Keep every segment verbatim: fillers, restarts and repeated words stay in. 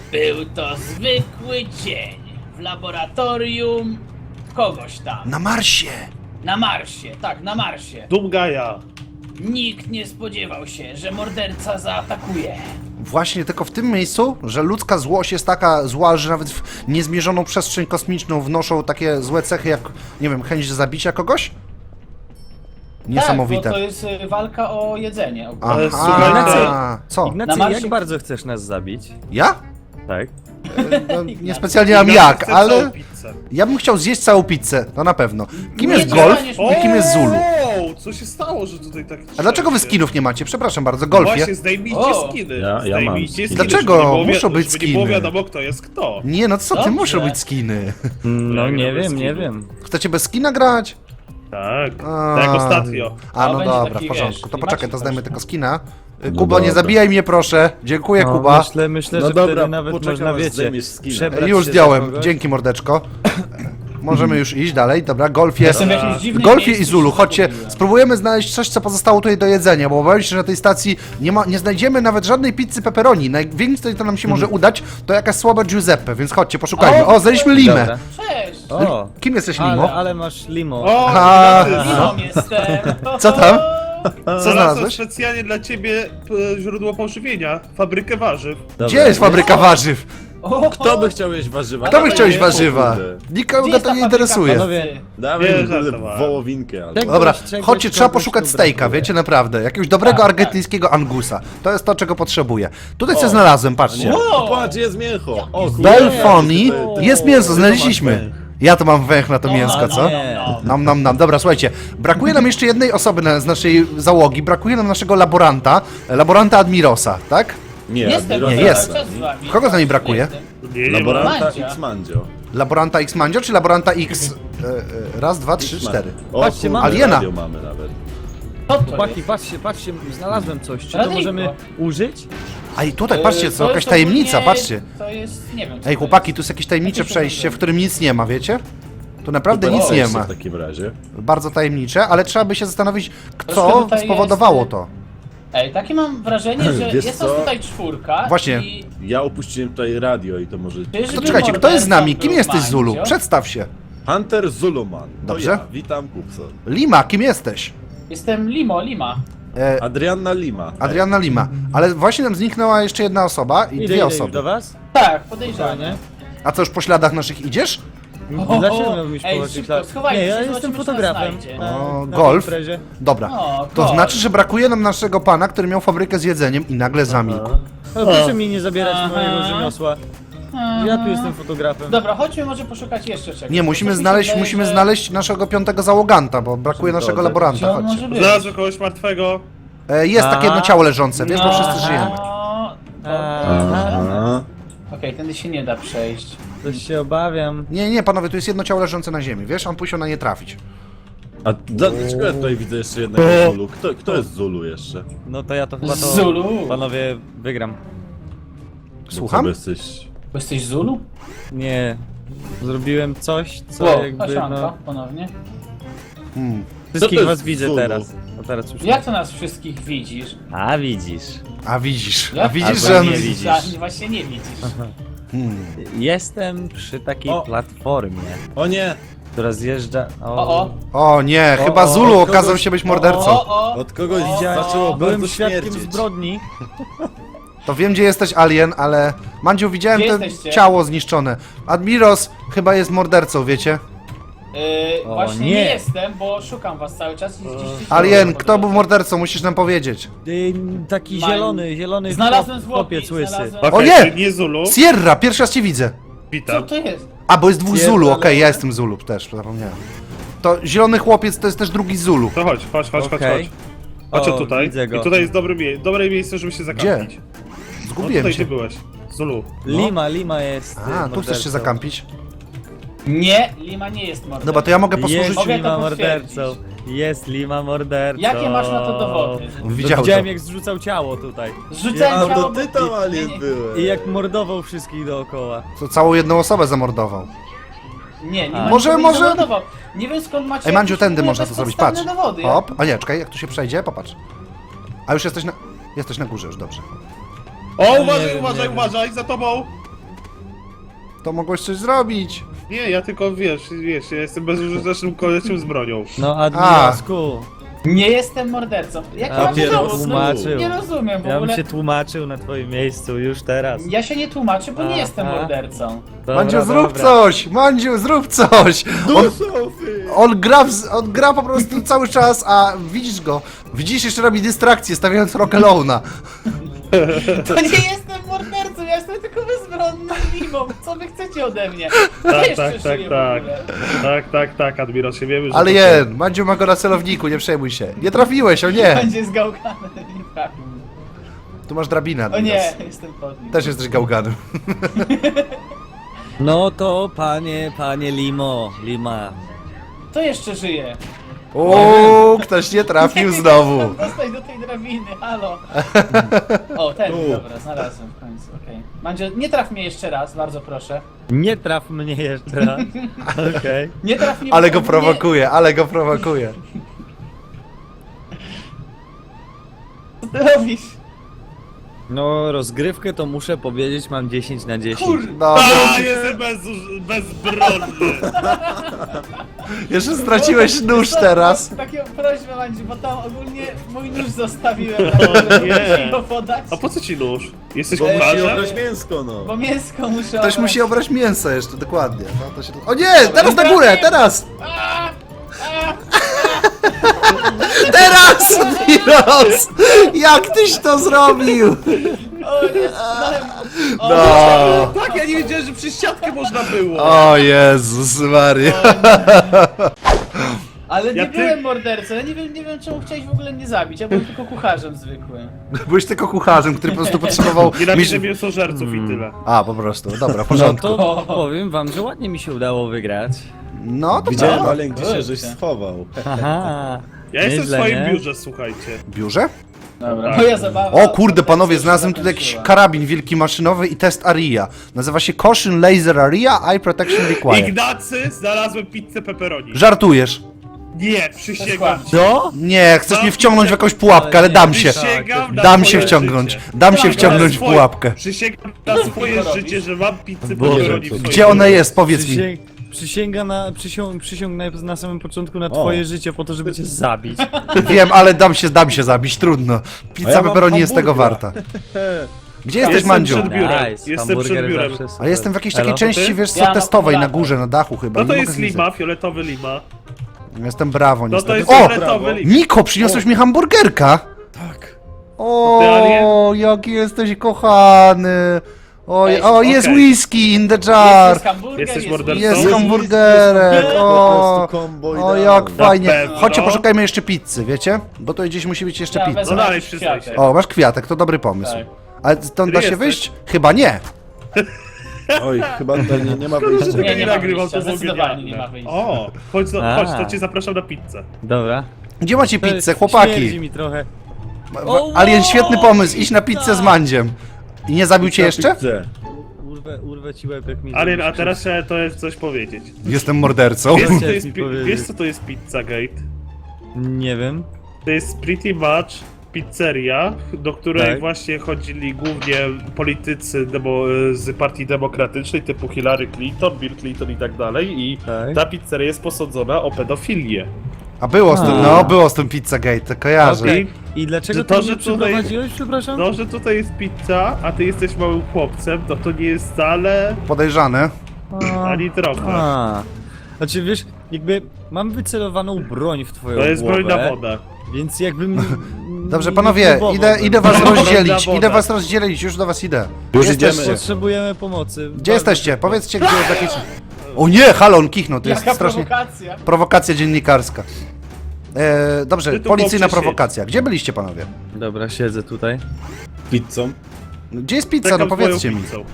Był to zwykły dzień w laboratorium kogoś tam. Na Marsie! Na Marsie, tak, na Marsie. Dumgaja. Nikt nie spodziewał się, że morderca zaatakuje. Właśnie tylko w tym miejscu, że ludzka złość jest taka zła, że nawet w niezmierzoną przestrzeń kosmiczną wnoszą takie złe cechy jak, nie wiem, chęć zabicia kogoś? Niesamowite. Tak, bo to jest y, walka o jedzenie. Aha, Ale słuchajcie- co? Ignacy, Na Marsie- jak bardzo chcesz nas zabić? Ja? Tak. No, niespecjalnie mam jak, Chcę ale całą pizzę. ja bym chciał zjeść całą pizzę, to na pewno. Kim Nie jest Golf dostaniesz i kim jest Zulu? O, co się stało, że tutaj tak... A dlaczego wy skinów nie macie? Przepraszam bardzo, Golfie. Właśnie, zdejmijcie O. skiny. Ja- ja mam zdejmijcie skiny. skiny. Dlaczego? żeby nie było wi- Muszą być żeby nie było skiny. wiadomo, kto jest kto. Nie, no co ty, Dobrze. muszą być skiny. No Jak nie bez wiem, nie skinu. wiem. Chcecie bez skina grać? Tak, A. tak jak ostatnio. A, To no będzie dobra, taki, w porządku. wiesz, To poczekaj, to klimacik zdajmy właśnie. tylko skina. Y, No Kubo, nie dobra. zabijaj mnie proszę. Dziękuję, No, Kuba. Myślę, myślę, No że dobra, wtedy nawet poczekam, można, aż wiecie, zdejmiesz skina. przebrać Już się za zdjąłem. kogoś. Dzięki, mordeczko. Możemy już iść dalej, dobra, Golfie. Jestem w jakimś dziwnym Golfie miejscu, i Zulu, się chodźcie, zagubiłem. spróbujemy znaleźć coś, co pozostało tutaj do jedzenia, bo obawiam się, że na tej stacji nie, ma, nie znajdziemy nawet żadnej pizzy pepperoni. Najwięcej, co nam się może udać, to jakaś słaba Giuseppe, więc chodźcie, poszukajmy. O, O, znaleźliśmy Limę. Dobra. Cześć! O, Kim jesteś, ale, Limo? ale masz limo. O, A, Ignacy, no. Miną jestem! Co tam? Co znalazłem znalazłeś? specjalnie dla ciebie e, źródło pożywienia, fabrykę warzyw. Dobra. Gdzie jest fabryka warzyw? O, Kto by chciał jeść warzywa? Kto by Dawaj, chciał jeść nie, warzywa? kurde. Nikogo Gdzie to jest ta nie fabryka interesuje. Panowie, pracy? Dawaj Nie, kurde, żartowałem. wołowinkę. Ale... Czegoś- Dobra, czegoś, chodźcie, trzeba kogoś poszukać tu stejka, brakuje. wiecie, naprawdę. Jakiegoś dobrego Tak, argentyńskiego angusa. To jest to, czego potrzebuję. Tutaj co O, znalazłem, patrzcie. Wow. Patrz, jest mięcho. O, kurde. Belfoni, To- jest mięso, to znaleźliśmy. mam węch. Ja to mam węch na to mięsko, no, co? no, Nie. no. Nam, nam, nam. Dobra, słuchajcie, brakuje nam jeszcze jednej osoby na, z naszej załogi, brakuje nam naszego laboranta, laboranta Admirosa, tak? Nie, Jestem, Admiral- Nie, cały jest. czas z wami. Kogo za niej brakuje? Jestem. Nie, nie ma. Laboranta Mandzia. X-Mandzio. Laboranta X Mandzio czy laboranta X? E, e, raz, dwa, trzy, cztery. O, Patrzcie, kurde, mamy. Aliena. radio mamy nawet. Co to Chłopaki, jest? patrzcie, patrzcie, znalazłem coś. Czy to Radyjko. możemy użyć? A i tutaj, patrzcie, Yy, co, to jakaś jest tajemnica, ogólnie- patrzcie. To jest, nie wiem co Ej, to chłopaki, jest. tu jest jakieś tajemnicze Jakieś przejście, w urządzenie. którym nic nie ma, wiecie? Tu naprawdę Super, nic nie jeszcze ma. W takim razie. Bardzo tajemnicze, ale trzeba by się zastanowić, Troszkę co tutaj spowodowało jest, to. Ej, takie mam wrażenie, że Wiesz jest co? nas tutaj czwórka. Właśnie. I... Ja opuściłem tutaj radio i to może... Czyżby To czekajcie, kto jest z nami? Kim mordercą jesteś, był Zulu? Mandzio? Przedstaw się. Hunter Zuluman. To Dobrze. Ja. Witam, Kupson. Lima, kim jesteś? Jestem Limo, Lima. E, Adrianna Lima. Adriana Lima. Ale właśnie nam zniknęła jeszcze jedna osoba i Idę, dwie idę już osoby. do was? Tak, podejrzanie. Fajnie. A co, już po śladach naszych idziesz? O, Dlaczego o, miałbym iść ej, po szybko, jakichś lat- schowajcie Nie, ja się, jestem zobaczymy, czy nas fotografem. znajdzie. Na, O, na golf. tej imprezie. Dobra. O, To golf. znaczy, że brakuje nam naszego pana, który miał fabrykę z jedzeniem i nagle zamilkł. No, proszę mi nie zabierać Aha. mojego rzemiosła. Ja tu jestem fotografem. Dobra, chodźmy może poszukać jeszcze czegoś. Nie, musimy Coś mi się znaleźć, wydaje, musimy że- znaleźć naszego piątego załoganta, bo brakuje naszego Zgodzę. laboranta. Gdzie on Chodźcie. może być? Znalazłem kogoś martwego. E, jest takie Aha. jedno ciało leżące, wiesz, bo wszyscy No, żyjemy. Aha. Okej, tędy się nie da przejść. Coś się obawiam. Nie, nie, panowie, tu jest jedno ciało leżące na ziemi, wiesz, on musiał na nie trafić. A dla- dlaczego ja tutaj widzę jeszcze jednego Zulu? Kto, kto jest Zulu jeszcze? No to ja to chyba to... Zulu. Panowie, wygram. Bo Słucham? co, bo jesteś... Bo jesteś Zulu? Nie. Zrobiłem coś, co Wow, jakby Osianka, no... ponownie. Hmm. Wszystkich jest was widzę Zulu? teraz. No teraz już Jak to nas wszystkich widzisz? A widzisz. A widzisz, a Jak? widzisz, Albo że on... nie widzisz. A, właśnie nie widzisz. Hmm. Jestem przy takiej O. platformie, O nie! która zjeżdża... O, o. O nie, O, chyba o, Zulu kogoś- okazał się być mordercą. O, o. Od kogoś O, zaczęło Byłem bardzo świadkiem śmierdzieć. zbrodni. To wiem, gdzie jesteś, Alien, ale... Mandziu, widziałem Gdzie to jesteście? ciało zniszczone. Admiros chyba jest mordercą, wiecie? Yy, O, właśnie nie. nie. jestem, bo szukam was cały czas i gdzieś gdzieś Alien, po kto był drodze. mordercą, musisz nam powiedzieć. Yy, taki Mają- zielony, zielony Znalazłem chłop- zwłoki, chłopiec łysy. znalazłem- O Okej, nie! czyli nie Zulu. Sierra, pierwszy raz cię widzę. Co Witam. to jest? A, bo jest dwóch Sierra, Zulu, okej, ale- ja jestem Zulu też, zapomniałem. To zielony chłopiec to jest też drugi Zulu. To chodź, chodź, chodź, chodź, Okej. chodź. Chodź O, tutaj. widzę go. I tutaj jest dobre, mie dobre miejsce, żeby się zakampić. No Zgubiłem tutaj się. ty byłeś. Zulu. Lima, Lima jest. A, y, tu chcesz się mordercą. zakampić? Nie, Lima nie jest mordercą. Dobra, to ja mogę posłużyć... Jest Mogę to Lima potwierdzić. mordercą. Jest Lima mordercą. Jakie masz na to dowody? No, Widział widziałem to. jak zrzucał ciało tutaj. Zrzucałem A ciało, to ty tam bo- Alien nie, nie, byłeś. I jak mordował wszystkich dookoła. To całą jedną osobę zamordował. Nie, nie A. ma Może- nikogo, nie może- zamordował. Nie wiem skąd macie Ej, Mandziu, jakieś tędy w ogóle można to zrobić, patrz. bezpodstawne Dowody. Ja- Hop, a nie, czekaj, jak tu się przejdzie, popatrz. A już jesteś na... Jesteś na górze już, dobrze. O, nie uważaj, wiem, uważaj, nie wiem. uważaj, za tobą! to mogłeś coś zrobić. Nie, ja tylko, wiesz, wiesz, ja jestem bezużytecznym koleciem z bronią. No, admiralsku. Nie jestem mordercą. Jak A mam się dowód? No, tłumaczył. nie rozumiem w Ja bym ogóle. się tłumaczył na twoim miejscu już teraz. Ja się nie tłumaczę, bo nie Aha. jestem mordercą. Dobra, Mandziu, zrób dobra. coś! Mandziu, zrób coś! On, Sofy! on, gra w, on gra po prostu cały czas, a widzisz go. Widzisz, jeszcze robi dystrakcję, stawiając Rock Alone'a. To nie jestem mordercą, ja jestem tylko bezbronną mimą. Co wy chcecie ode mnie? Tak, Jeszcze tak, tak, żyję w tak. ogóle. Tak, tak, tak, Admiral, się wiemy, że... Ale to- je, Mandziu ma go na celowniku, nie przejmuj się. Nie trafiłeś, o nie! Będzie zgałkany, nie trafił. Tu masz drabinę. O nie, Admiros. jestem pod nim. Też jesteś gałganem. No to panie, panie Limo, Lima. To jeszcze żyje. O, ktoś nie trafił Nie znowu. mogę dostać do tej drabiny, halo. O, ten, Tu. dobra, znalazłem w końcu, okej. Mandzio, nie traf mnie jeszcze raz, bardzo proszę. Nie traf mnie jeszcze raz. Okej. Nie traf mnie... Ale go nie- prowokuje, ale go prowokuje. Co ty robisz? No, rozgrywkę to muszę powiedzieć, mam dziesięć na dziesięć. Kur... No, A, jestem bezuż... bezbronny! jeszcze straciłeś nóż teraz. Taką prośbę, Mandziu, bo tam ogólnie mój nóż zostawiłem. O nie. Muszę go podać, A po co ci nóż? Jesteś Bo musi kucharzem? obrać mięsko, no. bo mięsko muszę Ktoś obrać. musi obrać mięso jeszcze, dokładnie. No, to się... O nie, teraz na górę, teraz! A! A! Teraz! Miros! Jak tyś to zrobił? O, nie, znałem... O, No. Tak, ja nie wiedziałem, że przez siatkę można było! O Jezus Maria. Ale nie Ja ty- byłem mordercą, ja nie wiem, nie wiem czemu chciałeś w ogóle mnie zabić, ja byłem tylko kucharzem zwykłym. Byłeś tylko kucharzem, który po prostu potrzebował... Nienawidzę miś- mięsożerców i tyle. A, po prostu, dobra, w No porządku. to powiem wam, że ładnie mi się udało wygrać. No to Widziałem, co? ale gdzie się żeś Kurczę. schował. Aha. Ja jestem w Nieźle, swoim nie? biurze, słuchajcie. Biurze? Dobra, Tak. moja zabawa... O kurde, panowie, się znalazłem tutaj jakiś zakończyła. karabin wielki maszynowy i test aria. Nazywa się Caution Laser Aria, Eye Protection Required. Ignacy, znalazłem pizzę pepperoni. Żartujesz. Nie, przysięgam Skłam. ci. Co? Nie, chcesz No, mnie wciągnąć w jakąś pułapkę, ale dam się. Przysięgam na Dam swoje się wciągnąć. życie. Dam się Tak, wciągnąć w Swoje- pułapkę. Przysięgam na swoje robisz? życie, że mam pizzę Boże, pepperoni w co- swoim Gdzie ona biurze. jest? Powiedz mi. Przysięg, przysięga na, przysiąg, przysiągnę na samym początku na O. twoje życie po to, żeby cię zabić. Wiem, ale dam się, dam się zabić, trudno. A Pizza ja mam pepperoni jest tego hamburgera. warta. Gdzie jesteś, Jestem Mandziu? przed biurem. Nice, Jestem hamburger przed biurem. zawsze super. Ale jestem w jakiejś takiej Elo? części, ty? wiesz co, Ja na testowej, na kumulator. górze, na dachu chyba. No nie to mogę jest zlizać. lima, fioletowy lima. Jestem brawo, No to niestety. jest O! fioletowy lima. Niko, przyniosłeś mi hamburgerka! Tak. Ty, O, jaki jesteś kochany! O, Cześć, o jest okej. whisky in the Jest, jar! jest hamburger, Jesteś jest mordercą? Jest Jest hamburgerek! Po O, prostu combo o idealne. jak fajnie! pewno. Chodźcie, poszukajmy jeszcze pizzy, wiecie? Bo to gdzieś musi być jeszcze Ja pizza. wezmę No dalej, jakiś przyznaj kwiatek. się. O, masz kwiatek, to dobry pomysł. Tak. Ale stąd da się jesteś? wyjść? Chyba nie. Oj, chyba tutaj nie, nie ma Szkoda, wyjścia. że Nie, tego nie nie ma nagrywam, wyjścia, to było zdecydowanie genialne. nie ma wyjścia. O, chodź, A. chodź, to cię zapraszam na pizzę. Dobra. Gdzie macie To pizzę, Śmierdzi chłopaki? mi trochę. Ma- O, Alien, świetny pomysł, iść na pizzę z tak. Mandziem. I nie zabił cię jeszcze? Pizzę. Urwę, urwę ci łeb, jak mi Alien, a zrobisz teraz krzywdę. trzeba to jest coś powiedzieć. Jestem mordercą. Wiesz, co to Chciałeś jest, mi pi- powiedzieć. wiesz co to jest Pizza Gate? Nie wiem. To jest pretty much pizzeria, do której Tak. właśnie chodzili głównie politycy demo, z partii demokratycznej typu Hillary Clinton, Bill Clinton i tak dalej i Tak. ta pizzeria jest posądzona o pedofilię. A było z tym, A. no, było z tym Pizzagate, to kojarzę. Okej. I dlaczego Że to, to, ty że mnie tutaj- przyprowadziłeś, przepraszam? No, że tutaj jest pizza, a ty jesteś małym chłopcem, to to nie jest wcale Podejrzane. A, ani trochę. a. Znaczy wiesz, jakby mam wycelowaną broń w twoją To jest głowę, broń na wodę. więc jakbym... Dobrze, nie panowie, próbował idę, bym. idę was Dobra, rozdzielić, woda. idę was rozdzielić, już do was idę. Już Gdzie idziemy. jesteście? Potrzebujemy pomocy. Gdzie jesteście? Powiedzcie, gdzie jest jakieś... O nie, halo, on kichnął, to jest Jaka strasznie... prowokacja. Prowokacja dziennikarska. E, dobrze, Ty tu policyjna mówcie się. prowokacja. Gdzie byliście, panowie? Dobra, siedzę tutaj. Pizzą. Gdzie jest pizza? Czekam No z moją powiedzcie mi. pizzą.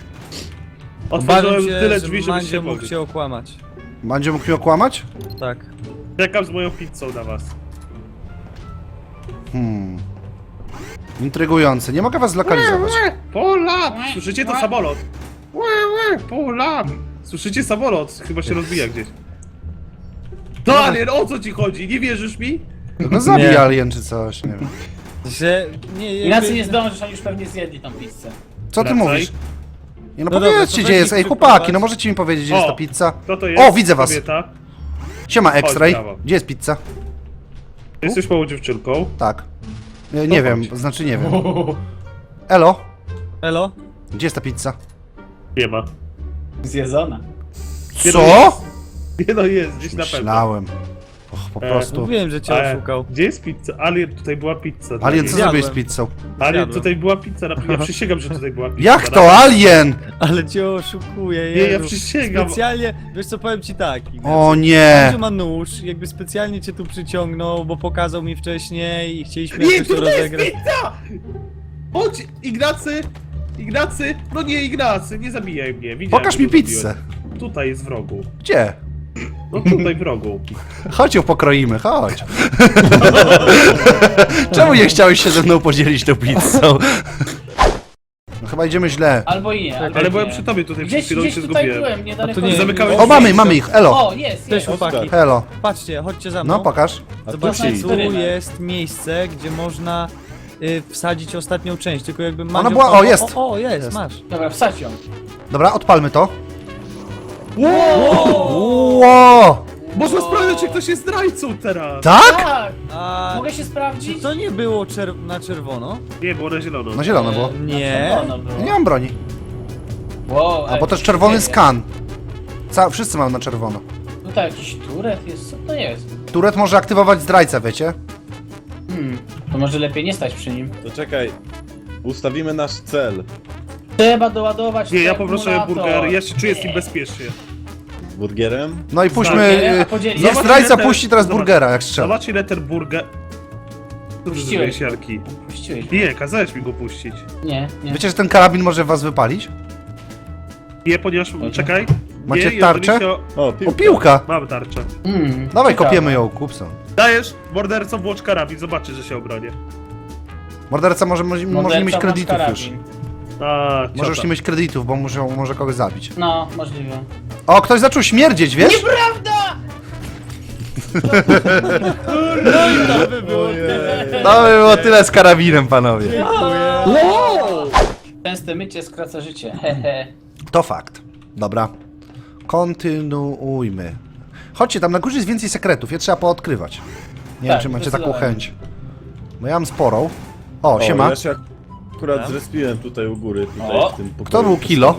Obawiam Otworzyłem się, tyle że drzwi, żebyście Mandzio mógł mogli. się okłamać. Mandzio mógł mnie okłamać? Tak. Czekam z moją pizzą na was. Hmm. Intrygujące. Nie mogę was zlokalizować. Pola! Słyszycie to samolot? Pola! Słyszycie samolot? Chyba się rozbija gdzieś. To Alien, o co ci chodzi? Nie wierzysz mi? No zabij Nie. alien czy coś, nie wiem. Że... Nie, jakby... Inaczej nie zdążysz, oni już pewnie zjedli tą pizzę. Co ty Wracaj. mówisz? Nie no, No dobra, powiedzcie to gdzie weź jest, ich ej przyprowadź. chłopaki, no możecie mi powiedzieć gdzie jest O, ta pizza? Kto to jest? O, widzę was. Kobieta. Siema X-Ray, brawo. gdzie jest pizza? Jesteś małą dziewczynką. Tak. Nie, nie To wiem, chodź. znaczy nie wiem. Elo, Elo? gdzie jest ta pizza? Nie ma. Zjedzona. Nie no Co? jest. Nie no jest, gdzieś na pewno. Myślałem. Och, po E, prostu. Mówiłem, że cię E, oszukał. Gdzie jest pizza? Alien, tutaj była pizza. Alien, co Alien, zrobiłeś z Zjadłem. pizzą? Alien, Zjadłem. tutaj była pizza. na- Ja przysięgam, że tutaj była pizza. Jak to, Alien? Ale cię oszukuję, Nie, ja Jezu. przysięgam. Specjalnie, wiesz co, powiem ci tak. Ignacy. O nie! Że ma nóż, jakby specjalnie cię tu przyciągnął, bo pokazał mi wcześniej i chcieliśmy Nie, jakoś to tutaj jest rozegrać. pizza! Chodź, Ignacy! Ignacy! No nie, Ignacy, nie zabijaj mnie. Widziałem, Pokaż że mi to pizzę. zrobiłem. Tutaj jest w rogu. Gdzie? No tutaj w rogu. Chodź ją pokroimy, chodź. Czemu nie chciałeś się ze mną podzielić tą pizzą? No chyba idziemy źle. Albo i nie, albo Ale i byłem nie. przy tobie tutaj, przed Gdzieś, chwilą gdzieś się tutaj zgubiłem. byłem, niedaleko. A to nie- Zamykałeś O, mamy, mamy ich, elo. O, jest, Cześć jest. chłopaki. Elo. Patrzcie, chodźcie za mną. No, pokaż. A tu Zobaczcie, się jest tu rynek. jest miejsce, gdzie można y, wsadzić ostatnią część, tylko jakby Mandzio- Ona była- o, jest. O, o jest, Jest. masz. Dobra, wsadź ją. Dobra, odpalmy to. Wow! Ło! Można sprawdzić, czy ktoś jest zdrajcą teraz. Tak? Tak! A Mogę się czy sprawdzić? to nie było czer- na czerwono? Nie, było na zielono. Na zielono było. Nie. Czerwono było. Nie mam broni. Wow, A bo też czerwony skan. Ca wszyscy mają na czerwono. Tutaj jakiś turet jest, co to jest? Turet może aktywować zdrajcę, wiecie? Hmm, to może lepiej nie stać przy nim. To czekaj. Ustawimy nasz cel. Trzeba doładować Nie, ja ten poproszę akumulator. burger, ja się czuję z tym bezpiecznie. Z burgerem? No i puśćmy... Burger, a y, podzielić. Niech Zobacz, zdrajca ile te- puści teraz zobacz. burgera, jak strzela. Zobacz ile ten burger... Dobrze Puściłeś. zrobiłeś, Jarki. Puściłeś. Nie, kazałeś mi go puścić. Nie, nie. Wiecie, że ten karabin może was wypalić? Nie, ponieważ... Czekaj. Macie nie, jeżeli tarczę? się- O, O, piłka. piłka! Mam tarczę. Mm, Dawaj, ciekawe. kopiemy ją, Kupson. Dajesz mordercą włącz karabin, zobaczy, że się obronię. Morderca może, może, może nie Morderca mieć masz kredytów już. karabin. A, Może już ciota. nie mieć kredytów, bo muszą, może kogoś zabić. No, możliwe. O, ktoś zaczął śmierdzieć, wiesz? Nieprawda! To by było tyle. To by było tyle z karabinem, panowie. Częste mycie skraca życie, hehe. To fakt. Dobra. Kontynuujmy. Chodźcie, tam na górze jest więcej sekretów, je trzeba poodkrywać. Nie Tak, wiem, czy macie taką zdecydowanie. chęć. Bo ja mam sporą. O, O, siema. ja się akurat zrespiłem tutaj u góry, tutaj O. w tym pokoju. Kto był kilo?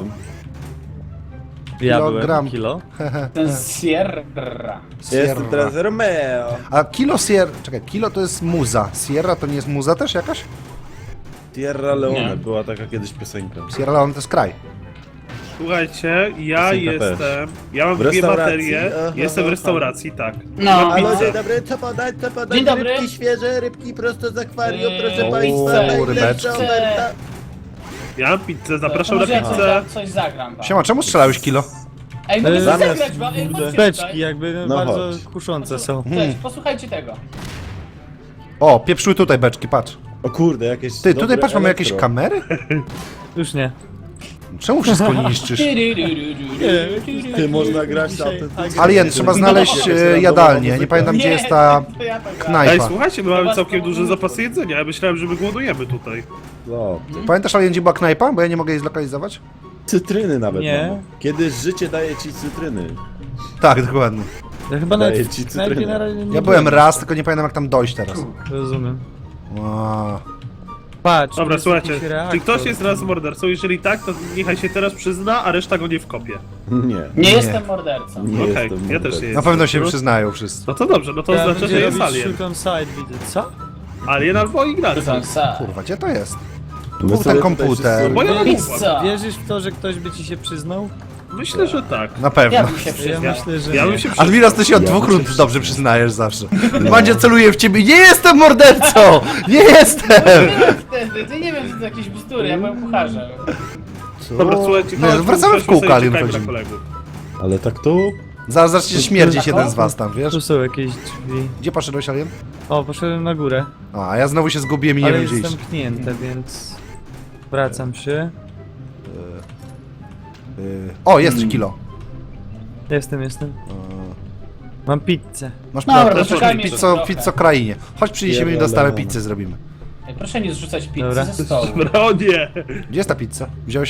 Ja Kilogram. byłem kilo. Ten Sierra. Jestem Sierra. teraz Romeo. A kilo Sierra... Czekaj, kilo to jest muza. Sierra to nie jest muza też jakaś? Sierra Leone, Nie. była taka kiedyś piosenka. Sierra Leone to jest kraj. Słuchajcie, ja Piosenka jestem... Ja mam W dwie restauracji? baterie, Aha, jestem w aha. restauracji, tak. No. Mam Halo, pizzę. dzień dobry, co podać, co podać? Dzień dobry. Rybki świeże, rybki prosto z akwarium, Eee, proszę o, państwa, rybeczki. najlepsza oferta. Ja mam pizzę, zapraszam To na może ja pizzę. coś, coś zagram wam. Siema, czemu strzelałeś kilo? Ej, mogę Eee, coś zamiast- zagrać wam, ej, chodźcie Beczki tutaj. jakby No bardzo chodź. kuszące są. Cześć, posłuchajcie tego. O, pieprzły tutaj beczki, patrz. O kurde, jakieś Ty, tutaj dobre patrz, mamy jakieś elektro. kamery? Już nie. Czemu wszystko niszczysz? Ty, można grać na Dzisiaj tym. agresywnie. Alien, trzeba znaleźć e, jadalnię. Nie pamiętam, gdzie jest ta to ja tak gram. Ej, knajpa. słuchajcie, my mamy Chyba całkiem z duże komunistów. zapasy jedzenia, ja myślałem, że my głodujemy tutaj. No. Pamiętasz, Alien, gdzie była knajpa? Bo ja nie mogę jej zlokalizować. Cytryny nawet Nie. mamy. Kiedyś życie daje ci cytryny. Tak, dokładnie. Ja chyba Daję nawet ci w knajpie cytrynę. na razie nie Ja byłem raz, tylko nie pamiętam, jak tam dojść teraz. Rozumiem. Wow. Patrz, tu Dobra, jest słuchajcie, jakiś czy reaktor. ktoś jest raz mordercą? Jeżeli tak, to niechaj się teraz przyzna, a reszta go nie wkopie. Nie. Nie jestem mordercą. Nie Okej, jestem ja też mordercą. nie Na jestem. pewno się przyznają wszyscy. No to dobrze, no to Ja znaczy, będzie że jest robić alien. shoot on side, widzę. Co? Alien albo Ignacy. Rzucam sa. Kurwa, gdzie to jest? Tu My był sobie ten tutaj komputer. wszyscy- Bo ja mam Pizza. Wierzysz w to, że ktoś by ci się przyznał? Myślę, że tak. Na pewno. Ja bym się Ja przyznał. myślę, że Ja nie. bym się przyznał. Admiras, ty się od dwóch rund dobrze przyznajesz zawsze. Mandzio celuje w ciebie. Nie jestem mordercą! Nie jestem! Wtedy, ty nie wiem, czy to jakieś bzdury, ja byłem kucharzem. Dobra, słuchajcie, Nie, chodź, wracamy w przejdźmy kółko, sobie, Alien, czekajmy na chodzimy. kolegów. Ale tak to... Zaraz zacznie śmierdzić jeden z was tam, wiesz? Tu są jakieś drzwi. Gdzie poszedłeś, Alien? O, poszedłem na górę. A, a ja znowu się zgubiłem i nie Ale wiem, gdzie jest iść. zamknięte, więc... Wracam się. Y, O, jest kilo. Jestem, jestem. Mam pizzę. Masz Dobra, prawdę, poczekajmy pizzo, jeszcze trochę. pizzo krainie. Chodź, przyniesiemy im dostawę Pierdolę. pizzę, zrobimy. Ej, proszę nie zrzucać pizzy Dobra. ze stołu. Dobra, o nie! Gdzie jest ta pizza? Wziąłeś ją?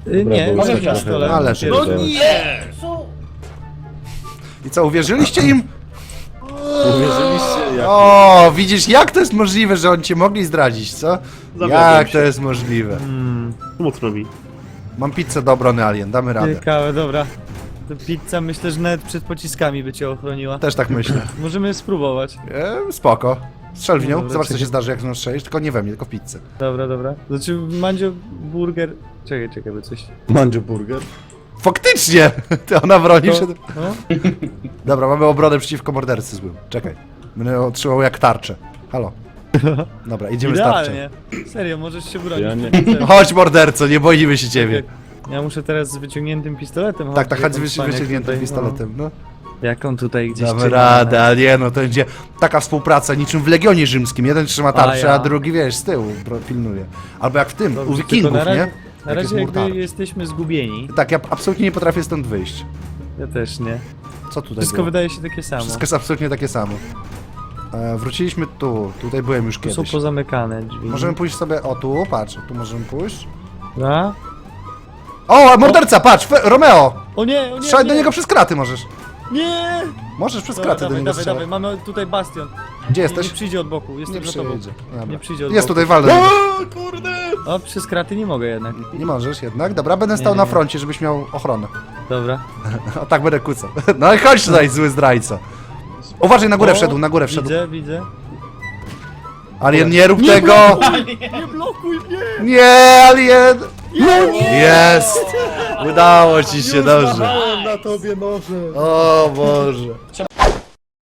Y, nie, było może tak trochę. pistolet. Ale Pierwszy. No nie! Co? I co, uwierzyliście im? Uwierzyliście jak... O, widzisz, jak to jest możliwe, że oni cię mogli zdradzić, co? Zawiodłem Jak się. to jest możliwe? Mm, Mocno mi. Mam pizzę do obrony Alien, damy radę. ciekawe, dobra. To pizza myślę, że nawet przed pociskami by cię ochroniła. Też tak myślę. Możemy spróbować. E, spoko. Strzel w nią, Dobra, zobacz co czekaj. się zdarzy jak ją strzelisz, tylko nie we mnie, tylko w pizzę. Dobra, dobra. Znaczy, Mandzio, burger... Czekaj, czekaj, by coś... Mandzio burger? Faktycznie! Ty ona broni To, się. no? Dobra, mamy obronę przeciwko mordercy złym. Czekaj. Będę otrzymał jak tarczę. Halo. Dobra, idziemy z tarczą. Idealnie. Serio, możesz się bronić. Ja nie- Pizzę. Chodź morderco, nie boimy się ciebie. Ja muszę teraz z wyciągniętym pistoletem. Tak, tak, jak chodź on z cwaniak wyciągniętym tutaj, pistoletem, no. No. Jak on tutaj gdzieś Damy trzyma, radę, ale nie no, to będzie taka współpraca niczym w Legionie Rzymskim. Jeden trzyma tarczę, ja. a drugi, wiesz, z tyłu bro- pilnuje. Albo jak w tym, Dobrze, u tylko Wikingów, na razie, nie? Na Jak jest razie jakby murtar. jesteśmy zgubieni. Tak, ja absolutnie nie potrafię stąd wyjść. Ja też nie. Co tutaj Wszystko było? wydaje się takie samo. Wszystko jest absolutnie takie samo. E, wróciliśmy tu, tutaj byłem już Tu są kiedyś. pozamykane drzwi. Możemy pójść sobie, o tu, patrz, tu możemy pójść. A? O, morderca, patrz, Fe Romeo! O nie, o nie, Strzelaj nie. do niego przez kraty możesz. Nie! Możesz przez Dobra, kraty do dawaj, niego dawaj, strzelać. dawaj, mamy tutaj bastion. Gdzie Nie, jesteś? nie przyjdzie od boku, jestem Nie za tobą. przyjdzie. Dobra. Nie przyjdzie od Jest boku. tutaj, waldę. O kurde! O, przez kraty nie mogę jednak. Nie możesz jednak. Dobra, będę stał Nie, na nie. froncie, żebyś miał ochronę. Dobra. O tak będę kucał. No i chodź tutaj, zły zdrajca. Uważaj, na górę O, wszedł, na górę wszedł. Widzę, widzę. Alien, nie rób tego! Nie blokuj mnie! Nie, Alien! Jest! Udało ci się, dobrze. Małem na tobie noże! O Boże.